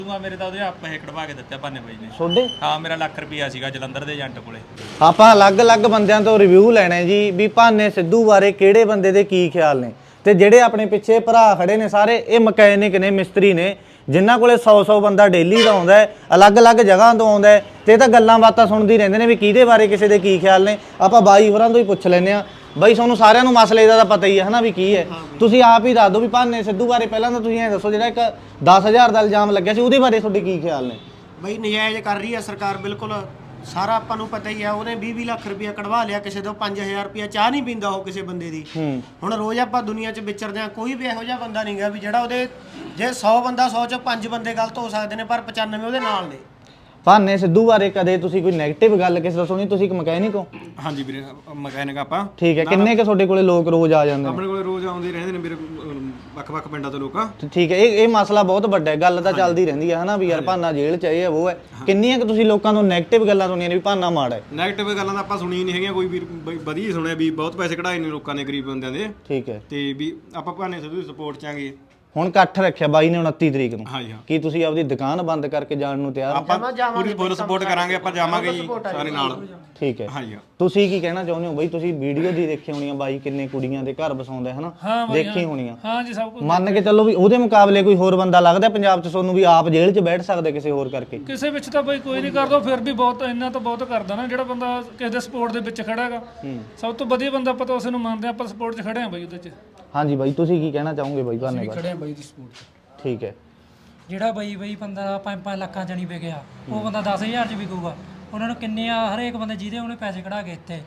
ਮੇਰੇ ਤਾਂ ਉਹਦੇ ਆਪ ਪੈਸੇ ਕਢਵਾ ਕੇ ਦਿੱਤੇ ਭਾਨੇ ਬਾਈ ਨੇ। ਤੁਹਾਡੇ? ਹਾਂ, ਮੇਰਾ ਲੱਖ ਰੁਪਿਆ ਸੀਗਾ ਜਲੰਧਰ ਦੇ ਏਜੰਟ ਕੋਲੇ। ਆਪਾਂ ਅਲੱਗ-ਅਲੱਗ ਬੰਦਿਆਂ ਤੋਂ ਰਿਵਿਊ ਲੈਣੇ ਜੀ ਵੀ ਭਾਨੇ ਸਿੱਧੂ ਬਾਰੇ ਕਿਹੜੇ ਬੰਦੇ ਦੇ ਕੀ ਖਿਆਲ ਨੇ, ਤੇ ਜਿਹੜੇ ਆਪਣੇ ਪਿੱਛੇ ਭਰਾ ਖੜੇ ਨੇ ਸਾਰੇ ਇਹ ਮਕੈਨਿਕ ਨੇ, ਮਿਸਤਰੀ ਨੇ, ਜਿਨ੍ਹਾਂ ਕੋਲੇ 100-100 ਬੰਦਾ ਡੇਲੀ ਦਾ ਆਉਂਦਾ ਹੈ, ਅਲੱਗ-ਅਲੱਗ ਜਗ੍ਹਾ ਤੋਂ ਆਉਂਦਾ ਹੈ, ਤੇ ਇਹ ਤਾਂ ਗੱਲਾਂ ਬਾਤਾਂ ਸੁਣਦੀ ਰਹਿੰਦੇ ਨੇ ਵੀ ਕਿਹਦੇ ਬਾਰੇ ਕਿਸੇ ਦੇ ਕੀ ਖਿਆਲ ਨੇ। ਆਪਾਂ ਬਾਈ ਹੋਰਾਂ ਤੋਂ ਹੀ ਪੁੱਛ ਲੈਂਦੇ ਆ। ਬਾਈ ਤੁਹਾਨੂੰ ਸਾਰਿਆਂ ਨੂੰ ਮਸਲੇ ਦਾ ਤਾਂ ਪਤਾ ਹੀ ਹੈ ਹਨਾ ਵੀ ਕੀ ਹੈ, ਤੁਸੀਂ ਆਪ ਹੀ ਦੱਸ ਦਿਓ ਵੀ ਭਾਨੇ ਸਿੱਧੂ ਬਾਰੇ ਪਹਿਲਾਂ ਤਾਂ ਤੁਸੀਂ ਐਂ ਦੱਸੋ ਜਿਹੜਾ ਇੱਕ 10,000 ਦਾ ਇਲਜ਼ਾਮ ਲੱਗਿਆ ਸੀ ਉਹਦੇ ਬਾਰੇ ਤੁਹਾਡੇ ਕੀ ਖਿਆਲ ਨੇ? ਬਈ ਨਜਾਇਜ਼ ਕਰ ਰਹੀ ਹੈ ਸਰਕਾਰ, ਬਿਲਕੁਲ ਸਾਰਾ ਆਪਾਂ ਨੂੰ ਪਤਾ ਹੀ ਆ। ਉਹਨੇ 20-20 ਲੱਖ ਰੁਪਇਆ ਕਢਵਾ ਲਿਆ ਕਿਸੇ ਤੋਂ, 5,000 ਰੁਪਇਆ ਚਾਹ ਨਹੀਂ ਪੀਂਦਾ ਉਹ ਕਿਸੇ ਬੰਦੇ ਦੀ। ਹੁਣ ਰੋਜ਼ ਆਪਾਂ ਦੁਨੀਆ 'ਚ ਵਿਚਰਦੇ ਆ, ਕੋਈ ਵੀ ਇਹੋ ਜਿਹਾ ਬੰਦਾ ਨਹੀਂ ਗਾ ਵੀ ਜਿਹੜਾ ਉਹਦੇ, ਜੇ 100 ਬੰਦਾ 100 'ਚੋਂ 5 ਬੰਦੇ ਗਲਤ ਹੋ ਸਕਦੇ ਨੇ ਪਰ 95 ਉਹਦੇ ਨਾਲ ਨੇ। ਭਾਨੇ ਸਿੱਧੂ ਬਾਰੇ ਕਦੇ ਤੁਸੀਂ ਕੋਈ ਨੈਗੇਟਿਵ ਗੱਲ ਕਿਸੇ ਤੋਂ ਸੁਣੀ? ਤੁਸੀਂ ਇੱਕ ਮਕੈਨਿਕ ਹੋ? ਹਾਂਜੀ ਵੀਰੇ, ਮਕੈਨਿਕ ਆਪਾਂ। ਠੀਕ ਹੈ, ਕਿੰਨੇ ਕਿ ਤੁਹਾਡੇ ਕੋਲੇ ਲੋਕ ਰੋਜ਼ ਆ ਜਾਂਦੇ ਨੇ? ਆਪਣੇ ਕੋਲੇ ਰੋਜ਼ ਆਉਂਦੇ ਰਹਿੰਦੇ ਨੇ ਵੀਰੇ, ਵੱਖ-ਵੱਖ ਪਿੰਡਾਂ ਤੋਂ ਲੋਕ। ਠੀਕ ਹੈ, ਇਹ ਮਸਲਾ ਬਹੁਤ ਵੱਡਾ ਹੈ, ਗੱਲ ਤਾਂ ਚੱਲਦੀ ਰਹਿੰਦੀ ਹੈ ਹਨਾ ਵੀ ਯਾਰ ਭਾਨਾ ਜੇਲ੍ਹ 'ਚ ਇਹ ਹੈ ਉਹ ਹੈ। ਕਿੰਨੀਆਂ ਕਿ ਤੁਸੀਂ ਲੋਕਾਂ ਤੋਂ ਨੈਗੇਟਿਵ ਗੱਲਾਂ ਸੁਣੀਆਂ ਨੇ ਵੀ ਭਾਨਾ ਮਾੜਾ ਹੈ? ਨੈਗੇਟਿਵ ਗੱਲਾਂ ਤਾਂ ਆਪਾਂ ਸੁਣੀਆਂ ਨਹੀਂ ਹੈਗੀਆਂ, ਕੋਈ ਵੀ ਵਧੀਆ ਹੀ ਸੁਣਿਆ ਵੀ ਬਹੁਤ ਪੈਸੇ ਕਢਾਏ ਨੇ ਲੋਕਾਂ ਨੇ ਗਰੀਬ ਬੰਦਿਆਂ ਦੇ। ਠੀਕ ਹੈ, ਤੇ ਵੀ ਆਪਾਂ ਭਾਨੇ ਸਿੱਧੂ ਦੀ ਸਪੋਰਟ 'ਚ ਆਂਗੇ। ਹੁਣ ਇਕੱਠ ਰੱਖਿਆ ਬਾਈ ਨੇ 29 ਤਰੀਕ ਨੂੰ, ਹਾਂਜੀ ਹਾਂ, ਕੀ ਤੁਸੀਂ ਆਪਦੀ ਦੁਕਾਨ ਬੰਦ ਕਰਕੇ ਜਾਣ ਨੂੰ ਤਿਆਰ ਹੋ? ਆਪਾਂ ਪੂਰੀ ਫੁੱਲ ਸਪੋਰਟ ਕਰਾਂਗੇ, ਆਪਾਂ ਜਾਵਾਂਗੇ ਜੀ ਸਾਰੇ ਨਾਲ। ਠੀਕ ਹੈ, ਹਾਂਜੀ ਹਾਂ। ਤੁਸੀਂ ਕੀ ਕਹਿਣਾ ਚਾਹੁੰਦੇ ਹੋ ਬਾਈ? ਤੁਸੀਂ ਵੀਡੀਓ ਦੀ ਦੇਖੀ ਹੋਣੀ ਆ ਬਾਈ ਕਿੰਨੇ ਕੁੜੀਆਂ ਦੇ ਘਰ ਵਸਾਉਂਦਾ ਹੈ ਹਨਾ, ਦੇਖੀ ਹੋਣੀ ਆ। ਹਾਂ ਜੀ, ਸਭ ਕੁਝ ਮੰਨ ਕੇ ਚੱਲੋ ਵੀ ਉਹਦੇ ਮੁਕਾਬਲੇ ਕੋਈ ਹੋਰ ਬੰਦਾ ਲੱਗਦਾ ਪੰਜਾਬ 'ਚ ਤੁਹਾਨੂੰ ਵੀ ਆਪ ਜੇਲ੍ਹ 'ਚ ਬੈਠ ਸਕਦਾ ਕਿਸੇ ਹੋਰ ਕਰਕੇ? ਕਿਸੇ ਵਿੱਚ ਤਾਂ ਬਈ ਕੋਈ ਨਹੀਂ ਕਰਦਾ, ਫਿਰ ਵੀ ਬਹੁਤ ਇੰਨਾ ਤਾਂ ਬਹੁਤ ਕਰਦਾ ਨਾ ਜਿਹੜਾ ਬੰਦਾ ਕਿਸੇ ਦੇ ਸਪੋਰਟ ਦੇ ਵਿੱਚ ਖੜਾ ਹੈਗਾ। ਸਭ ਤੋਂ ਵਧੀਆ ਬੰਦਾ ਆਪਾਂ ਤਾਂ ਉਸ ਨੂੰ ਮੰਨਦੇ ਆਪਾਂ ਸਪੋਰਟ 'ਚ ਖੜੇ ਆ ਬਈ ਉਹਦੇ 'ਚ। ਹਾਂਜੀ ਬਾਈ, ਤੁਸੀਂ ਕੀ ਕਹਿਣਾ ਚਾਹੋਗੇ ਬਾਈ ਭਾਨੇ ਬਾਰੇ? ਖੜੇ ਆ ਬਾਈ ਦੀ ਸਪੋਰਟ 'ਚ। ਠੀਕ ਹੈ, ਜਿਹੜਾ ਬਈ ਬੰਦਾ 5-5 ਲੱਖਾਂ 'ਚ ਨਹੀਂ ਵਿਕਿਆ, ਉਹ ਬੰਦਾ 10,000 'ਚ ਵਿਕੂਗਾ। ਉਹਨਾਂ ਨੂੰ ਕਿੰਨੇ ਆ, ਹਰੇਕ ਬੰਦੇ ਜਿਹਦੇ ਉਹਨੇ ਪੈਸੇ ਕਢਾ ਕੇ ਇੱਥੇ।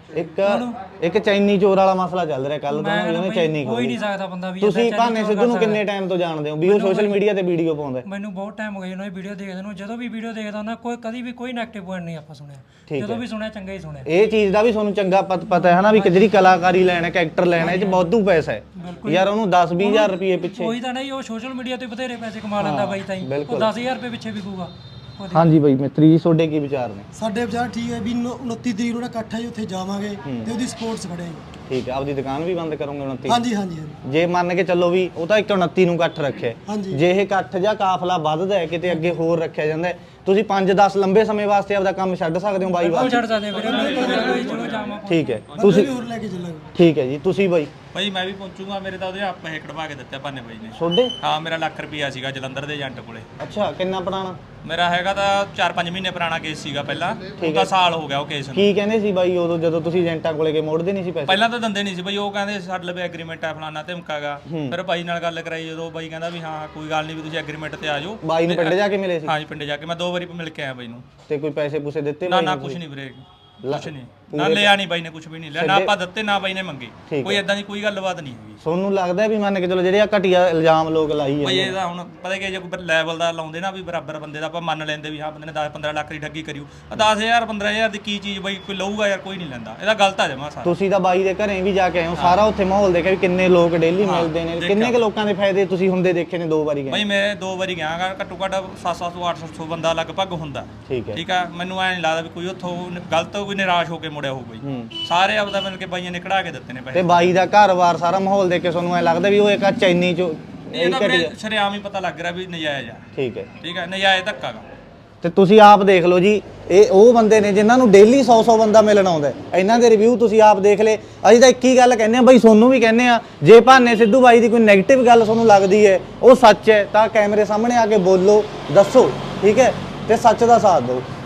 ਇੱਕ ਚੈਨੀ ਚੋਰ ਵਾਲਾ ਮਸਲਾ ਚੱਲ ਰਿਹਾ ਕੱਲ ਤੋਂ, ਉਹਨੇ ਚੈਨੀ ਕੋਈ ਨਹੀਂ ਸਕਦਾ ਬੰਦਾ ਵੀ। ਤੁਸੀਂ ਭਾਨੇ ਸਿੱਧੂ ਨੂੰ ਕਿੰਨੇ ਟਾਈਮ ਤੋਂ ਜਾਣਦੇ ਹੋ ਵੀ ਉਹ ਸੋਸ਼ਲ ਮੀਡੀਆ ਤੇ ਵੀਡੀਓ ਪਾਉਂਦਾ? ਮੈਨੂੰ ਬਹੁਤ ਟਾਈਮ ਹੋ ਗਿਆ ਉਹਨਾਂ ਦੀ ਵੀਡੀਓ ਦੇਖਦੇ ਨੂੰ। ਜਦੋਂ ਵੀ ਵੀਡੀਓ ਦੇਖਦਾ ਉਹਨਾਂ ਕੋਈ ਕਦੀ ਵੀ ਕੋਈ ਨੈਗੇਟਿਵ ਪੁਆਇੰਟ ਨਹੀਂ ਆਪਾਂ ਸੁਣਿਆ। ਜਦੋਂ ਵੀ ਸੁਣਿਆ ਚੰਗਾ ਹੀ ਸੁਣਿਆ। ਇਹ ਚੀਜ਼ ਦਾ ਵੀ ਤੁਹਾਨੂੰ ਚੰਗਾ ਪਤਾ ਹੈ ਹਨਾ ਵੀ ਜਿਹੜੀ ਕਲਾਕਾਰੀ ਲੈਣਾ, ਕੈਰੈਕਟਰ ਲੈਣਾ, ਇਹ 'ਚ ਬਹੁਤੂ ਪੈਸਾ ਹੈ ਯਾਰ। ਉਹਨੂੰ 10-20 ਹਜ਼ਾਰ ਰੁਪਏ ਪਿੱਛੇ ਕੋਈ ਤਾਂ ਨਹੀਂ, ਉਹ ਸੋਸ਼ਲ ਮੀਡੀਆ ਤੇ ਬਥੇਰੇ ਪੈਸੇ ਕਮਾ ਲੈਂਦਾ ਬਾਈ ਤਾਂ ਹੀ। ਉਹ 10,000 ਰੁਪਏ ਪਿੱਛੇ ਵਿਕੂਗਾ। ਹਾਂਜੀ ਬਾਈ ਮਿੱਤਰੀ ਜੀ, ਤੁਹਾਡੇ ਕੀ ਵਿਚਾਰ ਨੇ? ਸਾਡੇ ਵਿਚਾਰ ਠੀਕ ਹੈ ਵੀ 29 ਤਰੀਕ ਨੂੰ ਇਕੱਠਾ ਹੀ ਉੱਥੇ ਜਾਵਾਂਗੇ ਤੇ ਉਹਦੀ ਸਪੋਰਟਸ ਖੜੇ ਹਾਂ। ਠੀਕ ਹੈ, ਆਪਦੀ ਦੁਕਾਨ ਵੀ ਬੰਦ ਕਰੋਗੇ 29? ਹਾਂਜੀ ਹਾਂਜੀ ਜੇ ਮੰਨ ਕੇ ਚੱਲੋ ਵੀ ਉਹ ਤਾਂ 29 ਨੂੰ ਇਕੱਠ ਰੱਖਿਆ, ਜੇ ਇਹ ਇਕੱਠ ਜਾਂ ਕਾਫਲਾ ਵੱਧਦਾ ਹੈ ਕਿਤੇ ਅੱਗੇ ਹੋਰ ਰੱਖਿਆ ਜਾਂਦਾ ਹੈ, ਤੁਸੀਂ 5-10 ਲੰਬੇ ਸਮੇਂ ਵਾਸਤੇ ਆਪਦਾ ਕੰਮ ਛੱਡ ਸਕਦੇ ਹੋ ਬਾਈ ਵਾਸਤੇ? ਛੱਡ ਸਕਦੇ ਵੀਰੇ, ਚਲੋ ਜਾਵਾਂ। ਠੀਕ ਹੈ, ਤੁਸੀਂ ਹੋਰ ਲੈ ਕੇ ਚੱਲਾਂਗੇ। ਠੀਕ ਹੈ ਜੀ, ਤੁਸੀਂ ਬਾਈ? ਬਾਈ ਮੈਂ ਵੀ ਪਹੁੰਚੂਗਾ, ਮੇਰੇ ਤਾਂ ਉਹਦੇ ਆਪ ਪੈਸੇ ਕਢਵਾ ਕੇ ਦਿੱਤੇ ਭਾਨੇ ਬਾਈ ਨੇ। ਤੁਹਾਡੇ? ਹਾਂ, ਮੇਰਾ ਲੱਖ ਰੁਪਿਆ ਸੀਗਾ ਜਲੰਧਰ ਦੇ ਏਜੰਟ ਕੋਲੇ। ਅੱਛਾ, ਕਿੰਨਾ ਪੁਰਾਣਾ? ਮੇਰਾ ਹੈਗਾ ਤਾਂ 4-5 ਮਹੀਨੇ ਪੁਰਾਣਾ ਕੇਸ ਸੀਗਾ ਪਹਿਲਾਂ, ਉਹਦਾ ਸਾਲ ਹੋ ਗਿਆ ਉਹ ਕੇਸ ਨੂੰ। ਕੀ ਕਹਿੰਦੇ ਸੀ ਬਾਈ ਉਦੋਂ ਜਦੋਂ ਤੁਸੀਂ ਏਜੰਟਾਂ ਕੋਲੇ ਗਏ, ਮੋੜਦੇ ਨਹੀਂ ਸੀ ਪੈਸੇ? ਪਹਿਲਾਂ ਤਾਂ ਦਿੰਦੇ ਨਹੀਂ ਸੀ ਬਈ, ਉਹ ਕਹਿੰਦੇ ਸਾਡੇ ਲਵੇ ਐਗਰੀਮੈਂਟ ਆ ਫਲਾਣਾ ਧਮਕਾਗਾ। ਫਿਰ ਬਾਈ ਨਾਲ ਗੱਲ ਕਰਾਈ, ਜਦੋਂ ਬਾਈ ਕਹਿੰਦਾ ਵੀ ਹਾਂ ਕੋਈ ਗੱਲ ਨਹੀਂ ਵੀ ਤੁਸੀਂ ਐਗਰੀਮੈਂਟ ਤੇ ਆ ਜਾਓ। ਬਾਈ ਨੂੰ ਪਿੰਡ ਜਾ ਕੇ ਮਿਲੇ ਸੀ? ਹਾਂਜੀ, ਪਿੰਡ ਜਾ ਕੇ ਮੈਂ 2 ਵਾਰੀ ਮਿਲ ਕੇ ਆਇਆ ਬਾਈ ਨੂੰ। ਤੇ ਕੋਈ ਪੈਸੇ ਪੂਸੇ ਦਿੱਤੇ? ਨਾ ਕੁਝ ਨਹੀਂ ਵੀਰੇ, ਕੁਝ ਨਹੀਂ, ਨਾ ਲਿਆ ਨਹੀਂ ਬਾਈ ਨੇ, ਕੁਝ ਵੀ ਨਹੀਂ ਲਿਆ, ਨਾ ਆਪਾਂ ਦਿੱਤੇ ਨਾ ਬਾਈ ਨੇ ਮੰਗੇ। ਕੋਈ ਇਦਾਂ ਦੀ ਕੋਈ ਗੱਲਬਾਤ ਨਹੀਂ ਹੈਗੀ। ਤੁਹਾਨੂੰ ਲੱਗਦਾ ਵੀ ਮੰਨ ਕੇ ਚਲੋ ਜਿਹੜੇ ਆ ਘਟੀਆ ਇਲਜ਼ਾਮ ਲੋਕ ਲਾਈ ਬਈ ਜਾਂਦੇ? ਇਹਦਾ ਹੁਣ ਪਤਾ ਕਿ ਜੇ ਕੋਈ ਲੈਵਲ ਦਾ ਲਾਉਂਦੇ ਨਾ ਵੀ ਬਰਾਬਰ ਬੰਦੇ ਦਾ, ਆਪਾਂ ਮੰਨ ਲੈਂਦੇ ਵੀ ਹਾਂ ਬੰਦੇ ਨੇ 10-15 ਲੱਖ ਦੀ ਠੱਗੀ ਕਰਿਓ। 10,000 15,000 ਦੀ ਕੀ ਚੀਜ਼ ਬਈ ਕੋਈ ਲਊਗਾ ਯਾਰ? ਕੋਈ ਨਹੀਂ ਲੈਂਦਾ, ਇਹਦਾ ਗਲਤ ਆ ਜਮਾ ਸਾਰਾ। ਤੁਸੀਂ ਤਾਂ ਬਾਈ ਦੇ ਘਰੇ ਵੀ ਜਾ ਕੇ ਆਏ ਹੋ, ਸਾਰਾ ਉੱਥੇ ਮਾਹੌਲ ਦੇਖਿਆ ਵੀ ਕਿੰਨੇ ਲੋਕ ਡੇਲੀ ਮਿਲਦੇ ਨੇ, ਕਿੰਨੇ ਕੁ ਲੋਕਾਂ ਦੇ ਫਾਇਦੇ ਤੁਸੀਂ ਹੁੰਦੇ ਦੇਖੇ ਨੇ? 2 ਵਾਰੀ ਗਏ ਬਈ ਮੈਂ 2 ਵਾਰੀ ਗਿਆ ਗਾ, ਘੱਟੋ ਘੱਟ 700-800 ਬੰਦਾ ਲਗਭਗ ਹੁੰਦਾ। ਠੀਕ ਆ, ਮੈਨੂੰ ਐ ਨਹੀਂ ਲੱਗਦਾ ਵੀ ਕੋਈ ਉੱਥੋਂ ਗਲਤ ਕੋਈ ਨਿਰਾਸ਼ ਹੋ ਕੇ ਮੁੜਿਆ ਹੋਊ ਬਈ। ਸਾਰੇ ਆਪਦਾ ਮਿਲ ਕੇ ਬਾਈਆਂ ਨੇ ਕਢਾ ਕੇ ਦਿੱਤੇ ਨੇ ਪੈਸੇ। ਤੇ ਬਾਈ ਦਾ ਘਰ-ਬਾਰ ਸਾਰਾ ਮਾਹੌਲ ਦੇਖ ਕੇ ਤੁਹਾਨੂੰ ਐ ਲੱਗਦਾ ਵੀ ਉਹ ਇੱਕ ਚੈਨੀ ਚੋਂ ਇਹਦਾ ਸ਼ਰੇਆਮ ਹੀ ਪਤਾ ਲੱਗ ਰਿਹਾ ਵੀ ਨਜਾਇਜ਼ ਆ। ਠੀਕ ਹੈ, ਨਜਾਇਜ਼ ਧੱਕਾ ਗਾ। ਤੇ ਤੁਸੀਂ ਆਪ ਦੇਖ ਲਓ ਜੀ, ਇਹ ਉਹ ਬੰਦੇ ਨੇ ਜਿਨ੍ਹਾਂ ਨੂੰ ਡੇਲੀ 100-100 ਬੰਦਾ ਮਿਲਣ ਆਉਂਦਾ। ਇਹਨਾਂ ਦੇ ਰਿਵਿਊ ਤੁਸੀਂ ਆਪ ਦੇਖ ਲਏ। ਅਸੀਂ ਤਾਂ ਇੱਕ ਹੀ ਗੱਲ ਕਹਿੰਦੇ ਆ ਬਾਈ, ਤੁਹਾਨੂੰ ਵੀ ਕਹਿੰਦੇ ਆ, ਜੇ ਭਾਨੇ ਸਿੱਧੂ ਬਾਈ ਦੀ ਕੋਈ ਨੈਗੇਟਿਵ ਗੱਲ ਤੁਹਾਨੂੰ ਲੱਗਦੀ ਹੈ, ਉਹ ਸੱਚ ਹੈ, ਤਾਂ ਕੈਮਰੇ ਸਾਹਮਣੇ ਆ ਕੇ ਬੋਲੋ, ਦੱਸੋ, ਠੀਕ ਹੈ, ਤੇ ਸੱਚ ਦਾ ਸਾਥ ਦਿਓ।